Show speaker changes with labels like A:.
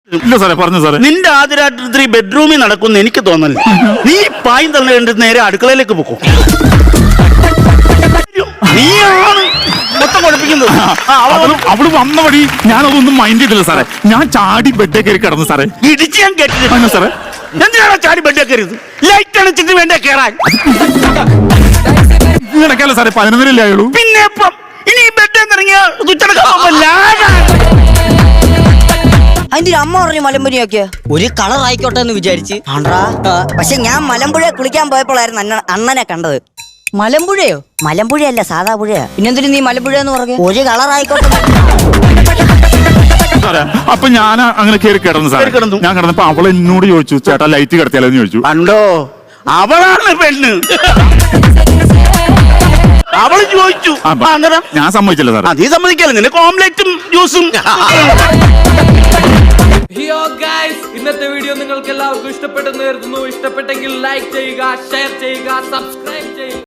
A: ഇല്ല സാറേ, പറഞ്ഞു സാറേ.
B: നിന്റെ ആദ്യരാത്രി ബെഡ്റൂമിൽ നടക്കുന്ന എനിക്ക് തോന്നല്ല. നീ പായും തള്ളി കണ്ടിട്ട് നേരെ അടുക്കളയിലേക്ക് പോക്കോ. നീയാണ് മൊത്തം കുഴപ്പിക്കുന്നത്.
A: അവള് വന്ന വഴി ഞാനതൊന്നും മൈൻഡ് ചെയ്തില്ല സാറേ. ഞാൻ ചാടി ബെഡേ കയറി കിടന്നു സാറേ.
B: ഇടിച്ച് ഞാൻ കേട്ടില്ല
A: സാറേ.
B: എന്തിനാണോ ചാടി ബെഡേ കയറിയത്? ലൈറ്റ് അണച്ചിട്ട് വേണ്ടേ കയറാൻ?
A: കിടക്കാലോ സാറേ, 11 ആയുള്ളൂ.
B: പിന്നെ ഇപ്പം ഇനി ബെഡ് ഇറങ്ങിയ
C: അതിന്റെ അമ്മ പറഞ്ഞു മലമ്പുരിയൊക്കെ ഒരു കളർ ആയിക്കോട്ടെ എന്ന് വിചാരിച്ച്. പക്ഷെ ഞാൻ മലമ്പുഴ കുളിക്കാൻ പോയപ്പോഴായിരുന്നു അണ്ണനെ കണ്ടത്. മലമ്പുഴയോ? മലമ്പുഴയല്ല, സാധാ പുഴയാ. പിന്നെന്തിനു നീ മലമ്പുഴ എന്ന് പറഞ്ഞു? ഒരു കളർ ആയിക്കോട്ടെ.
A: അപ്പൊ ഞാൻ അങ്ങനെ കയറി കിടന്നു സാറേ. ഞാൻ കിടന്നപ്പോ അവൾ എന്നോട് ചോദിച്ചു, ചേട്ടാ ലൈറ്റ് കിടത്തിയാലോ എന്ന് ചോദിച്ചു.
B: കണ്ടോ, അവളാണ് പെണ്ണ്. അവള് ചോദിച്ചു,
A: ഞാൻ സമ്മതിച്ചില്ല സാർ.
B: നീ സമ്മതിക്കല്ലേ? നിനക്ക് ഓംലെറ്റും ജ്യൂസും.
D: ഇന്നത്തെ വീഡിയോ നിങ്ങൾക്ക് എല്ലാവർക്കും ഇഷ്ടപ്പെട്ടെന്ന് കരുതുന്നു. ഇഷ്ടപ്പെട്ടെങ്കിൽ ലൈക്ക് ചെയ്യുക, ഷെയർ ചെയ്യുക, സബ്സ്ക്രൈബ്